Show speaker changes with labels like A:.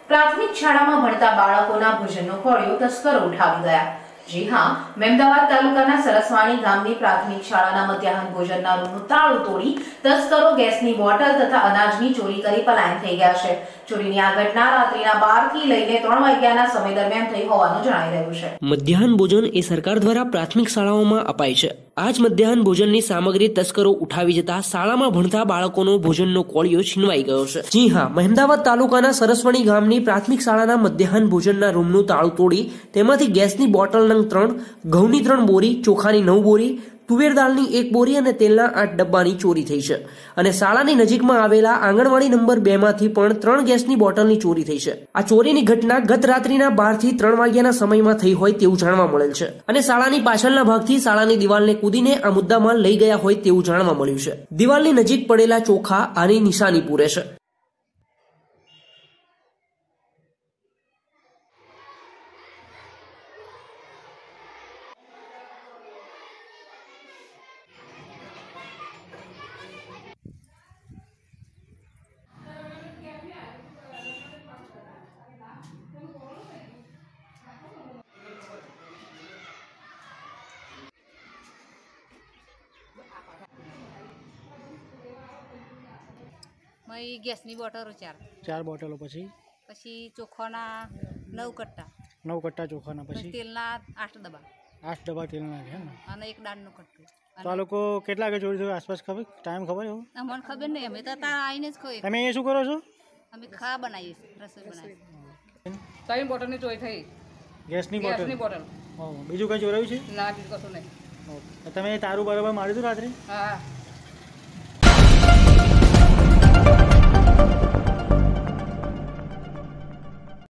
A: પ્રાથમિક શાળામાં ભણતા બાળકોના ભોજનનો કોળિયો તસ્કરો ઉઠાવી ગયા। જી હા, મહેમદાવાદ તાલુકાના સરસવાણી ગામની પ્રાથમિક શાળાના મધ્યાહન ભોજનના રૂમનું તાળું તોડી તસ્કરો ગેસની બોટલ તથા અનાજની ચોરી કરી પલાયન થઈ ગયા છે। ચોરીની આ ઘટના રાત્રિના 12 થી લઈને 3 વાગ્યાના સમય દરમિયાન થઈ હોવાનું જણાઈ રહ્યું છે।
B: મધ્યાહન ભોજન એ સરકાર દ્વારા પ્રાથમિક શાળાઓમાં અપાય છે। આ જ મધ્યાહન ભોજનની સામગ્રી તસ્કરો ઉઠાવી જતા શાળામાં ભણતા બાળકોનો ભોજનનો કોળિયો છીનવાઈ ગયો છે। જી હા, મહેમદાવાદ તાલુકાના સરસવણી ગામની પ્રાથમિક શાળાના મધ્યાહન ભોજનના રૂમનું તાળું તોડી તેમાંથી ગેસની બોટલ નંગ 3, ઘઉંની 3 બોરી, ચોખાની 9 બોરી, તુવેર દાળની 1 બોરી અને તેલના 8 ડબ્બાની ચોરી થઈ છે અને શાળાની નજીકમાં આવેલા આંગણવાડી નંબર 2 માંથી પણ 3 ગેસની બોટલની ચોરી થઈ છે। આ ચોરીની ઘટના ગત રાત્રિના 12 થી 3 વાગ્યાના સમયમાં થઈ હોય તેવું જાણવા મળેલ છે અને શાળાની પાછળના ભાગથી શાળાની દિવાલને કૂદીને આ મુદ્દામાલ લઈ ગયા હોય તેવું જાણવા મળ્યું છે। દિવાલની નજીક પડેલા ચોખા આની નિશાની પૂરે છે।
C: મય ગેસની બોટલો 4
D: બોટલો,
C: પછી ચોખાના 9 કટ્ટા
D: ચોખાના, પછી
C: તેલના 8 ડબ્બા
D: 8 ડબ્બા તેલના છે ને,
C: અને એક દાળનું કટ્ટું।
D: તો આ લોકો કેટલા વાગે ચોરી થયું આસપાસ ખબર ટાઈમ ખબર એવું?
C: અમને ખબર નહીં, અમે તો ત્યાં આવીને જ ખોઈ।
D: તમે એ શું કરો છો?
C: અમે ખાવા બનાવીએ છીએ, રસોઈ બનાવીએ।
E: 3 બોટલની ચોરી થઈ।
D: ગેસની બોટલ? બીજું કઈ ચોરાયું છે?
E: ના, બીજું કશું નહીં।
D: તમે તારું બરાબર માર્યું હતું રાત્રે?
E: હા।